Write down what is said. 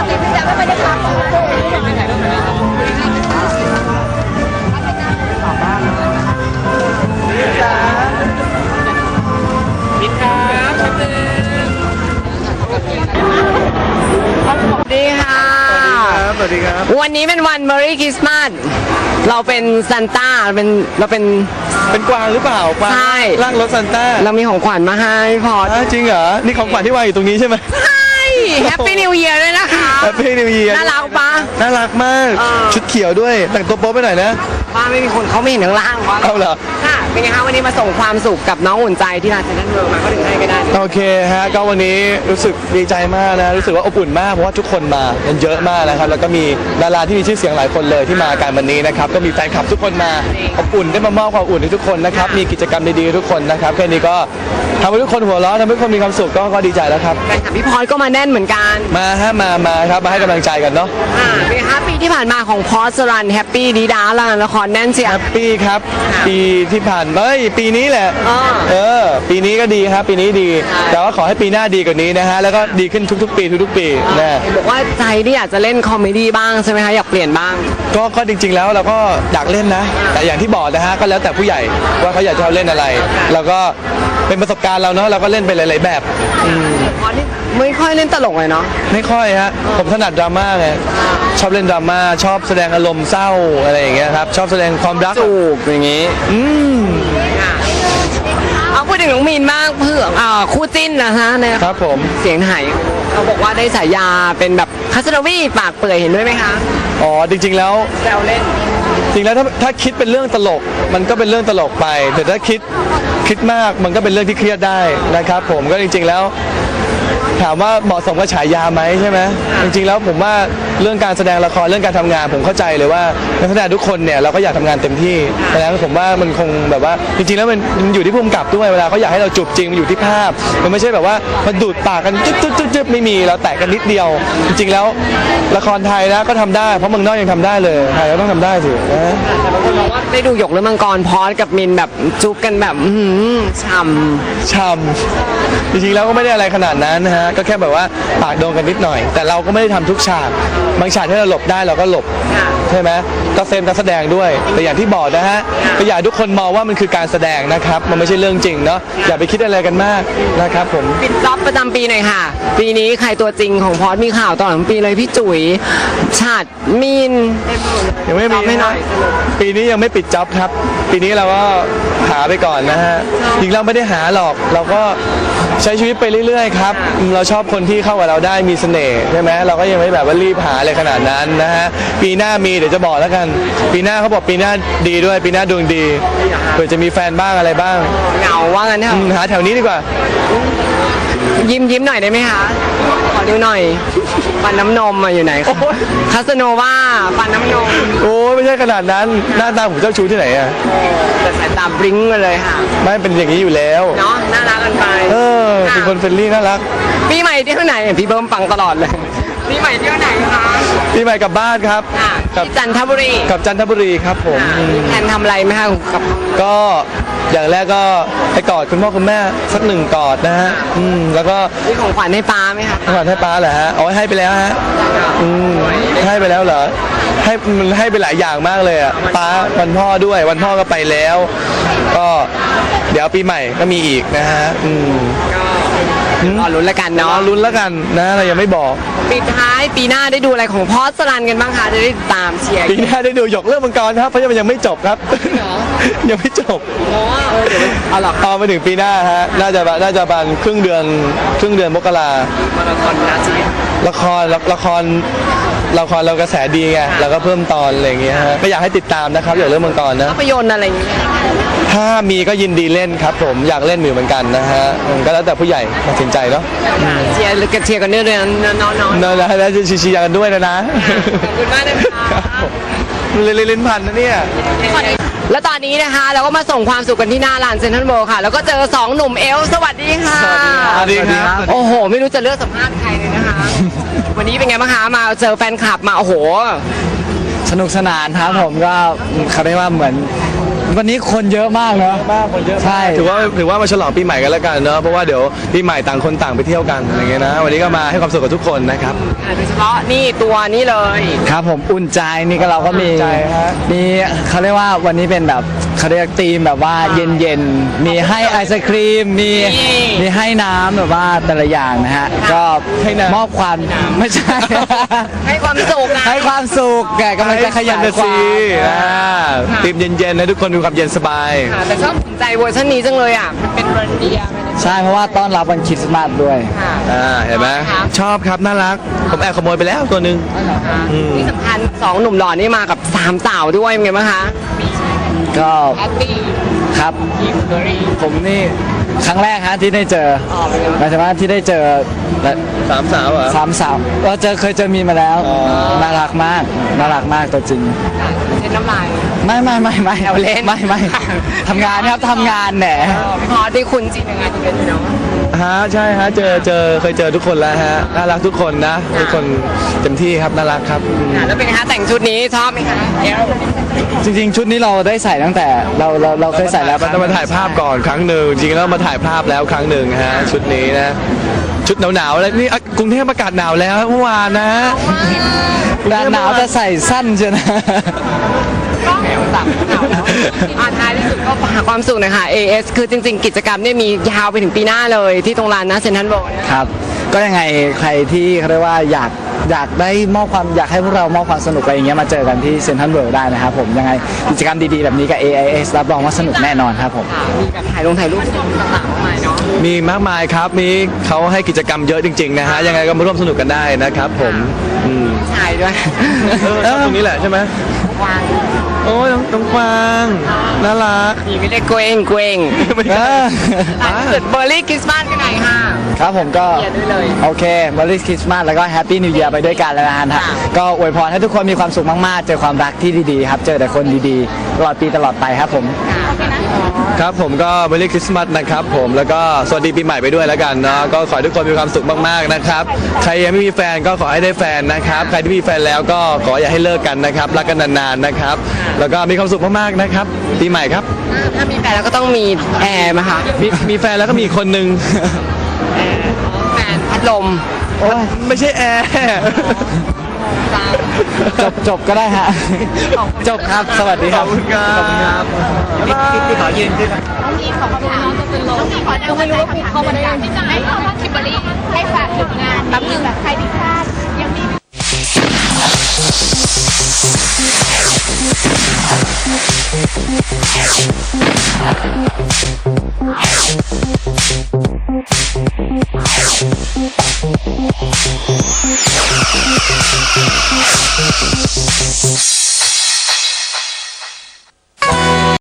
ติพี่แจ๊คไม่ไปได้พักบินครับชัดเจนดีค่ะสวัสดีครับวันนี้เป็นวัน Merry Christmas เราเป็นซันต้าเราเป็นเป็นกวางหรือเปล่ากวางใช่ร่างรถซันต้าเรามีของขวัญมาให้พอจริงเหรอ นี่ของขวัญที่วางอยู่ตรงนี้ใช่ไหมใช่ Happy New Year ด้วยนะคะ Happy New Year น่ารักปะน่ารักมาก ชุดเขียวด้วย แต่งตัวโป๊ไปหน่อยนะว่าไม่มีคนเขาไม่เห็นข้างล่างว่าเอาเหรอค่ะเป็นไงคะวันนี้มาส่งความสุขกับน้องอุ่นใจที่ร้านเซ็นทรัลเวิลด์มาก็ถึงให้ก็ได้โอเคฮะ ก็วันนี้รู้สึกดีใจมากนะ รู้สึกว่าอบอุ่นมาก เพราะว่าทุกคนมากันเยอะมากนะครับ แล้วก็มีดาราที่มีชื่อเสียงหลายคนเลยที่มาการวันนี้นะครับ ก็มีแฟนคลับทุกคนมาอบอุ่นได้มามอบความอุ่นให้ทุกคนนะครับ มีกิจกรรมดีๆทุกคนนะครับ แค่นี้ก็ทำให้ทุกคนหัวเราะทำให้ทุกคนมีความสุขก็ดีใจแล้วครับแฟนคลับพี่พรก็มาแน่นเหมือนกันมาฮะมาครับ มาให้กำลังใจกันเนาะเป็นไงคะปีที่ผ่านมาของพอสรันแฮปปี้ดีดาละครแน่นเชียแฮร์ปปี้ครับ ปีที่ผ่านปีนี้แหละอ่าปีนี้ก็ดีครับ ปีนี้ดี แต่ว่าขอให้ปีหน้าดีกว่านี้นะฮะ แล้วก็ดีขึ้นทุกๆปีทุกๆปีนะเห็นบอกว่าใจที่อยากจะเล่นคอมเมดี้บ้างใช่ไหมคะอยากเปลี่ยนบ้างก็จริงๆแล้วเราก็อยากเล่นนะ แต่อย่างที่บอกนะฮะ ก็แล้วแต่ผู้ใหญ่ว่าเขาอยากจะเล่นอะไร แล้วก็เป็นประสบการณ์เราเนาะ เราก็เล่นไปหลายๆแบบพอนี่ไม่ค่อยเล่นตลกเลยเนาะไม่ค่อยฮะ ผมถนัดดราม่าไง ชอบเล่นดราม่า ชอบแสดงอารมณ์เศร้าอะไรอย่างเงี้ยครับ ชอบแสดงความรักจูบอย่างงี้อืมเอาพูดถึงน้องมีนบ้างเพื่อคู่จิ้นนะฮะเนี่ยครับผมเสียงไหายเขาบอกว่าได้ฉายาเป็นแบบคัสโนวีปากเปื่อยเห็นด้วยไหมคะอ๋อ จริงๆแล้วแซวเล่นจริงแล้วถ้าคิดเป็นเรื่องตลกมันก็เป็นเรื่องตลกไป แต่ถ้าคิดมากมันก็เป็นเรื่องที่เครียดได้นะครับผมก็จริงๆแล้วถามว่าเหมาะสมกับฉายาไหมใช่ไหมจริงๆแล้วผมว่าเรื่องการแสดงละครเรื่องการทำงานผมเข้าใจเลยว่านักแสดงทุกคนเนี่ยเราก็อยากทำงานเต็มที่แต่แล้วผมว่ามันคงแบบว่าจริงๆแล้วมันอยู่ที่ผู้กำกับด้วยเวลาเขาอยากให้เราจูบจริงมันอยู่ที่ภาพมันไม่ใช่แบบว่ามันดูดปากกันจึ๊บไม่มีเราแตะกันนิดเดียว จริงๆแล้วละครไทยนะก็ทำได้เพราะเมืองนอกยังทำได้เลยไทยก็ต้องทำได้สินะแต่บางคนบอกว่าได้ดูหยกและมังกรพอสกับมินแบบจุ๊บกันแบบช่ำช่ำจริงๆแล้วก็ไม่ได้อะไรขนาดนั้นนะฮะก็แค่แบบว่าปากโดนกันนิดหน่อย แต่เราก็ไม่ได้ทำทุกฉากบางฉากที่เราหลบได้เราก็หลบใช่ไหมก็เซมนักแสดงด้วย แต่อย่างที่บอกนะฮะก็อยากให้ทุกคนมองว่ามันคือการแสดงนะครับมันไม่ใช่เรื่องจริงเนาะอย่าไปคิดอะไรกันมากนะครับผมปิดจ็อบประจำปีหน่อยค่ะ ปีนี้ใครตัวจริงของพอสมีข่าวตลอดทั้งปีเลยพี่จุ๋ยฉาดมีนยังไม่มีไม่หน่อยปีนี้ยังไม่ปิดจ็อบครับ ปีนี้เราก็หาไปก่อนนะฮะจริงเราไม่ได้หาหรอกเราก็ใช้ชีวิตไปเรื่อยๆครับเราชอบคนที่เข้ากับเราได้มีเสน่ห์ใช่ไหมเราก็ยังไม่แบบว่ารีบหาอะไรขนาดนั้นนะฮะปีหน้ามีเดี๋ยวจะบอกแล้วกัน ปีหน้าเขาบอกปีหน้าดีด้วยปีหน้าดวงดีเผื่อจะมีแฟนบ้างอะไรบ้างเหงาว่างั้นเถอะหาแถวนี้ดีกว่ายิ้มหน่อยได้ไหมคะขอดูหน่อยฟันน้ำนมมาอยู่ไหนคะคาสโนว่าฟันน้ำนมโอ้ไม่ใช่ขนาดนั้นหน้าตาผมเจ้าชู้ที่ไหนอะแต่สายตาบลิงก์มาเลยค่ะไม่เป็นอย่างนี้อยู่แล้วเนาะน่ารักกันไปเป็นคนเฟรนลี่น่ารักปีใหม่เที่ยวไหนพี่เบิ้มฟังตลอดเลยปีใหม่เที่ยวไหนคะปีใหม่กลับบ้านครับที่จันทบุรีกับจันทบุรีครับผมมีแผนทำอะไรไหมคะกับก็อย่างแรกก็ไปกอดคุณพ่อคุณแม่สักหนึ่งกอดนะฮะแล้วก็มีของขวัญให้ป้าไหมคะกอดให้ป้าเหรอฮะเอาให้ไปแล้วฮะให้ไปแล้วเหรอให้มันให้ไปหลายอย่างมากเลยอ่ะป้าวันพ่อด้วยวันพ่อก็ไปแล้ว ก็เดี๋ยวปีใหม่ก็มีอีกนะฮะรอลุ้นแล้วกันรอเนาะลุ้นแล้วกันนะเรายังไม่บอกปิดท้ายปีหน้าได้ดูอะไรของพอสรันกันบ้างคะจะได้ตามเชียร์ปีหน้าได้ดูหยกเรื่องมังกรครับเพราะยังมันยังไม่จบครับ ยังไม่จบเอาหรอพอมาถึงปีหน้าฮะน่าจะประมาณครึ่งเดือนมกรามาราธอนนะชีวิตละครเรากระแสดีไงเราก็เพิ่มตอนอะไรอย่างเงี้ยฮะก็อยากให้ติดตามนะครับอย่างเรื่องมังกรนะภาพยนตร์อะไรอย่างเงี้ยถ้ามีก็ยินดีเล่นครับผมอยากเล่นอยู่เหมือนกันนะฮะก็แล้วแต่ผู้ใหญ่ตัดสินใจเนาะเชียร์กันเชียร์กันเรื่อยๆน้องๆนั่นแหละแล้วจะชี้ๆกันด้วยนะขอบคุณมากนะคะลิ้นพันนะเนี่ยแล้วตอนนี้นะคะเราก็มาส่งความสุขกันที่หน้าร้านเซ็นทรัลเวิลด์ค่ะ แล้วก็เจอสองหนุ่มเอลสวัสดีค่ะสวัสดีครับโอ้โห ไม่รู้จะเลือกสัมภาษณ์ใครเลยนะคะ วันนี้เป็นไงบ้างคะมาเจอแฟนคลับมาโอ้โหสนุกสนานครับผมก็เขาเรียกว่าเหมือนวันนี้คนเยอะมากเนอะมากคนเยอะใช่ถือว่ามาฉลองปีใหม่กันแล้วกันเนาะเพราะว่าเดี๋ยวปีใหม่ต่างคนต่างไปเที่ยวกันอะไรเงี้ยนะวันนี้ก็มาให้ความสุขกับทุกคนนะครับโดยเฉพาะนี่ตัวนี้เลยครับผมอุ่นใจนี่ก็เราก็มีอุ่นใจฮะมีเขาเรียกว่าวันนี้เป็นแบบเขาเรียกธีมแบบว่าเย็นๆมีให้ไอศครีมมีให้น้ำแบบว่าแต่ละอย่างนะฮะก็มอบความไม่ใช่ให้ความสุขนะให้ความสุขแกกำลังจะขยายความตีมเย็นๆนะทุกคนมีความเย็นสบายค่ะแต่ชอบสนใจเวอร์ชันนี้จังเลยอ่ะมันเป็นเรนเดียร์ใช่เพราะว่าต้อนรับวันคริสต์มาสด้วยค่ะเห็นไหมครับชอบครับน่ารักผมแอบขโมยไปแล้วตัวหนึ่งที่สำคัญสองหนุ่มหล่อนี่มากับสามสาวด้วยเป็นไงบ้างคะก็แอตตี้ครับคิมเบอรี่ผมนี่ครั้งแรกฮะที่ได้เจออ๋อเป็นไงหมายถึงว่าที่ได้เจอและสามสาวเหรอสามสาวเคยเจอมีมาแล้วอ๋อน่ารักมากตัวจริงเช็ดน้ำลายไม่เอาเล่นไม่ทำงานครับทำงานแหนพี่พอที่คุณจริงยังไงที่เป็นเนาะฮะใช่ฮะเคยเจอทุกคนแล้วฮะน่ารักทุกคนนะทุกคนเต็มที่ครับน่ารักครับแล้วเป็นไงคะแต่งชุดนี้ชอบไหมคะเอลจริงๆ ชุดนี้เราได้ใส่ตั้งแต่เราเคยใส่แล้วมันต้องมาถ่ายภาพก่อนครั้งหนึ่งจริงๆแล้วมาถ่ายภาพแล้วครั้งหนึ่งฮะชุดนี้นะชุดหนาวๆแล้วนี่กรุงเทพอากาศหนาวแล้วเมื่อวานนะหนาวจะใส่สั้นเชียวนะแหมตับข่าวแล้วท้ายที่สุดก็ฝากความสุขหน่อยค่ะ AS คือจริงๆ กิจกรรมเนี่ยมียาวไปถึงปีหน้าเลยที่ตรงลานนะเซนทรัลโบว์ครับก็ยังไงใครที่เขาเรียกว่าอยากได้มอบความอยากให้พวกเรามอบความสนุกอะไรอย่างเงี้ยมาเจอกันที่เซ็นทรัลเวิลด์ได้นะครับผมยังไงกิจกรรมดีๆแบบนี้กับ AIS รับรองว่าสนุกแน่นอนครับผมค่ะมีแบบถ่ายรูปต่างๆมากมายเนาะมีมากมายครับมีเขาให้กิจกรรมเยอะจริงๆนะฮะยังไงก็มาร่วมสนุกกันได้นะครับผมอืมชายด้วยชอบตรงนี้แหละใช่ไหมวางโอ้ยน้องกวางน่ารักมีไม่ได้เกรงไม่ใช่ท้ายที่สุดเบอร์รี่คริสต์มาสกันหน่อยค่ะครับผมก็เชียร์ด้วยเลยโอเคบริสคริสต์มาสแล้วก็แฮปปี้นิว e ย r ไปด้วยกันแล้วนะฮะค่ะก็อวยพรให้ทุกคนมีความสุขมากๆ เจอความรักที่ดีๆครับ เจอแต่คนดีๆตลอดปีตลอดไปครับผมครับผมก็เมรี่คริสต์มาสนะครับผมแล้วก็สวัสดีปีใหม่ไปด้วยแล้วกันเนาะก็ขอให้ทุกคนมีความสุขมากๆนะครับใครยังไม่มีแฟนก็ขอให้ได้แฟนนะครับใครที่มีแฟนแล้วก็ขออย่าให้เลิกกันนะครับรักกันนานๆนะครับแล้วก็มีความสุขมากๆนะครับปีใหม่ครับถ้ามีแฟนแล้วก็ต้องมีแอร์มาค่ะมีแฟนแล้วก็มีคนหนึ่งแฟนพัดลมไม่ใช่แอร์จบก็ได้ฮะ จบครับ สวัสดีคขรัอบบคุณครับพี่ขอยืนขึ้นมีของคำถามจะเป็นลมก็ไม่รู้ว่าเข้ามาได้ยังที่จะให้เข้ามาคิมเบอรี่ให้ฝากถึงงานแป๊บนึงแบบใครที่พลาดยังมี We'll be right back.